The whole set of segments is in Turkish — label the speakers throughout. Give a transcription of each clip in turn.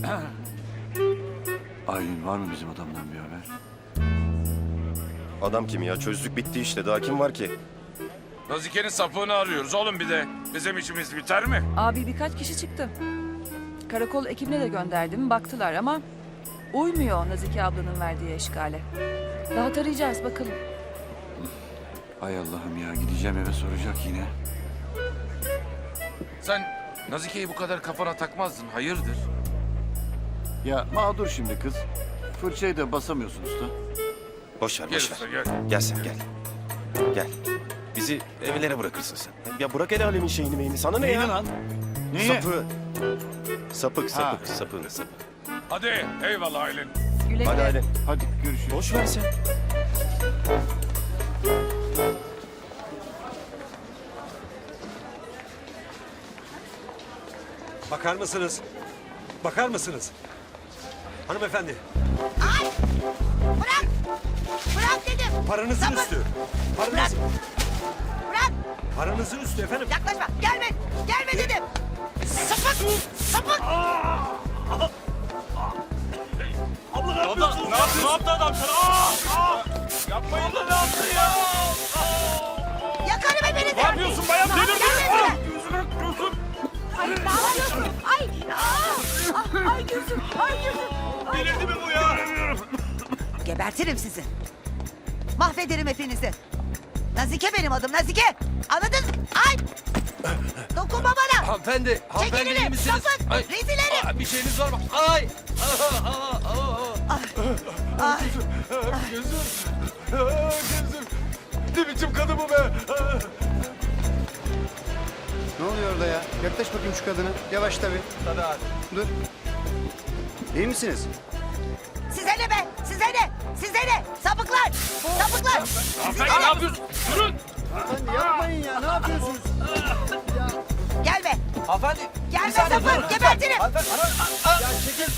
Speaker 1: Aylin var mı bizim adamdan bir haber?
Speaker 2: Adam kim ya? Çözdük bitti işte. Daha kim var ki?
Speaker 3: Nazike'nin sapığını arıyoruz oğlum bir de. Bizim işimiz biter mi?
Speaker 4: Abi birkaç kişi çıktı. Karakol ekibine de gönderdim. Baktılar ama uymuyor Nazike ablanın verdiği eşkale. Daha tarayacağız bakalım.
Speaker 1: Hay Allah'ım ya, gideceğim eve soracak yine.
Speaker 3: Sen Nazike'yi bu kadar kafana takmazdın. Hayırdır?
Speaker 1: Ya mağdur şimdi kız. Fırçayı da basamıyorsun usta.
Speaker 2: Boş ver,
Speaker 3: Gel
Speaker 2: boş
Speaker 3: usta
Speaker 2: ver.
Speaker 3: gel.
Speaker 2: Gel sen gel. Gel. Bizi evlere bırakırsın sen. Ya bırak el alemin şeyini meyini. Sana ne
Speaker 1: Neyi
Speaker 2: ya?
Speaker 1: lan? Neyi?
Speaker 2: Sapı. Sapık,
Speaker 1: Ha.
Speaker 2: sapık, sapığın sapık.
Speaker 3: Hadi eyvallah Aylin.
Speaker 4: Güle
Speaker 2: Hadi
Speaker 4: güle.
Speaker 2: Aylin.
Speaker 1: Hadi görüşürüz.
Speaker 2: Boş ver sen.
Speaker 5: Bakar mısınız? Bakar mısınız? Hanımefendi,
Speaker 6: Ay! Bırak! Bırak dedim!
Speaker 5: paranızın
Speaker 6: Sapık!
Speaker 5: üstü.
Speaker 6: Bırak! Bırak!
Speaker 5: Paranızın üstü efendim.
Speaker 6: Yaklaşma! Gelme! Gelme dedim! Sapık! Sapık!
Speaker 5: Abla ne yapıyorsun?
Speaker 3: Ne yaptı adam sana? Yapmayın da ne yaptın ya?
Speaker 6: Yakarım hepinizi!
Speaker 3: Ne yapıyorsun bayan?
Speaker 6: Tamam,
Speaker 3: Delirdin
Speaker 6: gelme
Speaker 3: mi? Gözüme gözüm.
Speaker 6: Ay ne yapıyorsun? Ay! Ay gözüm! Ay gözüm! Ay.
Speaker 3: Delirdi mi bu ya?
Speaker 6: Gebertirim sizi. Mahvederim hepinizi. Nazike benim adım Nazike. Anladın? Ay! Dokunma bana.
Speaker 7: Hanımefendi, hanımefendi iyi
Speaker 6: Çekilin.
Speaker 7: misiniz?
Speaker 6: Sapık.
Speaker 7: Ay,
Speaker 6: Rezil herif.
Speaker 7: bir şeyiniz var mı? Ay!
Speaker 6: Ay.
Speaker 5: Gözüm. Gözüm. Ne biçim kadın bu be?
Speaker 8: Ne oluyor orada ya? Yaklaş bakayım şu kadına. Yavaş tabii.
Speaker 7: Tabii abi.
Speaker 8: Dur. İyi misiniz?
Speaker 6: Size ne be? Size ne? Size ne? Sapıklar! Sapıklar! Size
Speaker 3: Ne
Speaker 6: ne?
Speaker 3: yapıyorsun? Durun.
Speaker 8: Hanımefendi yapmayın ya. Ne yapıyorsunuz?
Speaker 6: Gelme!
Speaker 7: Hanımefendi.
Speaker 6: Gelme
Speaker 7: bir saniye
Speaker 6: sapık,
Speaker 7: durun lütfen.
Speaker 6: gebertirim.
Speaker 7: Hanımefendi, ya çekil.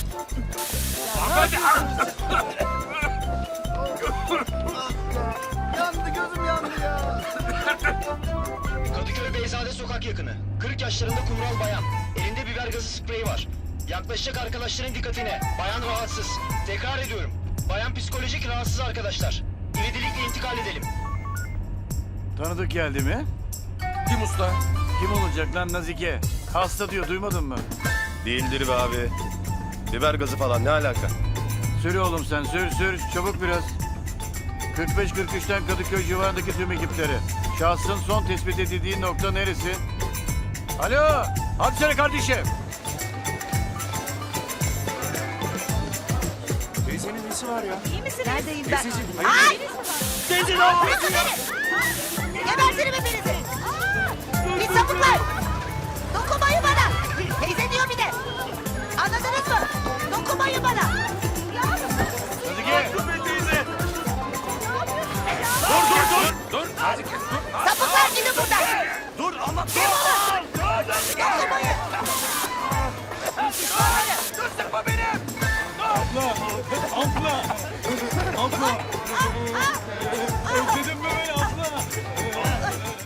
Speaker 8: Yandı gözüm yandı ya.
Speaker 9: Kadıköy Beyzade sokak yakını. 40 yaşlarında kumral bayan. Elinde biber gazı spreyi var. Yaklaşacak arkadaşların dikkatine. Bayan rahatsız. Tekrar ediyorum. Bayan psikolojik rahatsız arkadaşlar. İvedilikle intikal edelim.
Speaker 1: Tanıdık geldi mi?
Speaker 3: Kim usta?
Speaker 1: Kim olacak lan Nazike? Hasta diyor, duymadın mı?
Speaker 2: Değildir be abi. Biber gazı falan ne alaka?
Speaker 1: Sür oğlum sen, sür. Çabuk biraz. 45-43'ten Kadıköy civarındaki tüm ekipleri. Şahsın son tespit edildiği nokta neresi? Alo, hadi söyle kardeşim.
Speaker 5: Teyzenin nesi var ya?
Speaker 6: İyi misin? Neredeyim ben?
Speaker 5: Teyzeciğim,
Speaker 6: Ay! Teyze ne yapıyorsun beni? Gebertirim hepinizi. Pis sapıklar. Dokunmayın bana. Teyze diyor bir de. Anladınız mı? Dokunmayın bana.
Speaker 1: Nazike.
Speaker 3: Dur Nazike dur.
Speaker 6: Sapıklar gidin buradan.
Speaker 3: Dur Allah.
Speaker 6: Defolun. Dokunmayın.
Speaker 3: Dur sıkma beni.
Speaker 1: Abla.